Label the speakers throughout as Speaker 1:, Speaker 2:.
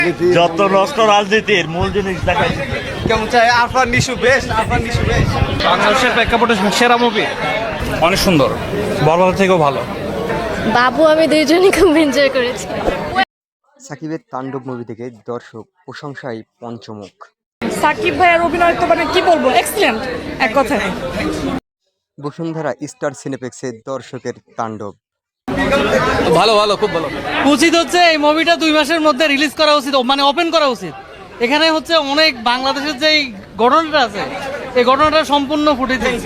Speaker 1: যত নষ্ট রাজনীতির মূল জিনিস দেখাইছে।
Speaker 2: কেমন চাই আরফান নিশু বেস্ট, আরফান নিশু বেস্ট।
Speaker 3: বাংলাদেশের প্রেক্ষাপটে সেরা মুভি, অনেক সুন্দর, বড়বাজার থেকেও ভালো।
Speaker 4: বাবু আমি দুইজনই খুব এনজয় করেছি।
Speaker 5: সাকিবের তাণ্ডব মুভি থেকে দর্শক প্রশংসায় পঞ্চমুখ।
Speaker 6: সাকিব ভাইয়ের অভিনয় তো মানে কি বলবো, এক্সিলেন্ট এক কথায়।
Speaker 5: বসুন্ধরা স্টার সিনেপ্লেক্সে দর্শকের তাণ্ডব।
Speaker 3: ভালো ভালো, খুব ভালো। উচিত হচ্ছে এই মুভিটা 2 মাসের মধ্যে রিলিজ করা উচিত, মানে ওপেন করা উচিত। এখানে হচ্ছে অনেক বাংলাদেশের যে ঘটনাটা আছে, এই ঘটনাটা সম্পূর্ণ ফুটে দিয়েছে।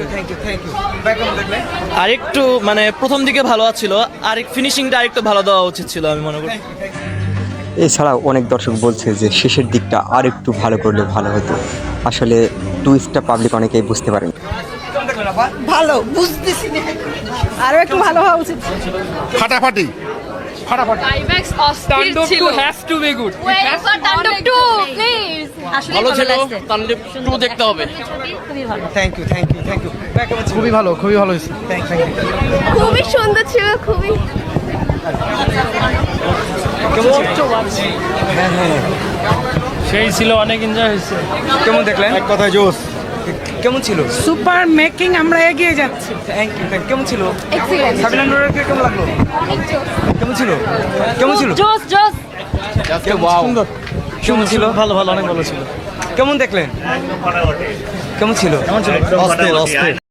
Speaker 7: আরেকটু মানে প্রথম দিকে ভালো ছিল, আর ফিনিশিংটা আরেকটু ভালো দেওয়া উচিত ছিল আমি মনে করি।
Speaker 5: এছাড়াও অনেক দর্শক বলছে যে শেষের দিকটা আর একটু ভালো করলে ভালো হতো। আসলে টুইস্টটা পাবলিক অনেকেই বুঝতে পারেন।
Speaker 6: ভালো বুঝতেছি না, আরো একটু ভালো হওয়া উচিত।
Speaker 2: ফাটাফাটি
Speaker 4: ক্লাইম্যাক্স অস্থির ছিল।
Speaker 3: Have to be good.
Speaker 4: Wait for Tandav 2 please. আসলে
Speaker 3: ভালো ছিল,
Speaker 4: লাগছে।
Speaker 3: তাণ্ডব 2 দেখতে হবে।
Speaker 4: খুবই ভালো,
Speaker 2: thank you thank you thank you.
Speaker 3: খুবই ভালো, খুবই ভালো হয়েছে।
Speaker 4: খুবই সুন্দর ছিল, খুবই।
Speaker 3: সেই ছিল, অনেক এনজয় হয়েছে।
Speaker 2: কেমন দেখলেন? এক কথায় জোস। কেমন ছিল?
Speaker 6: সুপার মেকিং, আমরা এগিয়ে যাচ্ছি।
Speaker 2: Thank you. কেমন ছিল?
Speaker 4: এক্সিলেন্ট,
Speaker 2: সাবিনা নূরের কেমন লাগলো?
Speaker 4: অনেক জোস।
Speaker 2: কেমন ছিল? কেমন ছিল?
Speaker 4: জোস জোস।
Speaker 2: সুন্দর। কেমন ছিল?
Speaker 7: ভালো ভালো, অনেক ভালো ছিল।
Speaker 2: কেমন দেখলেন? কেমন ছিল?
Speaker 7: অস্থির অস্থির।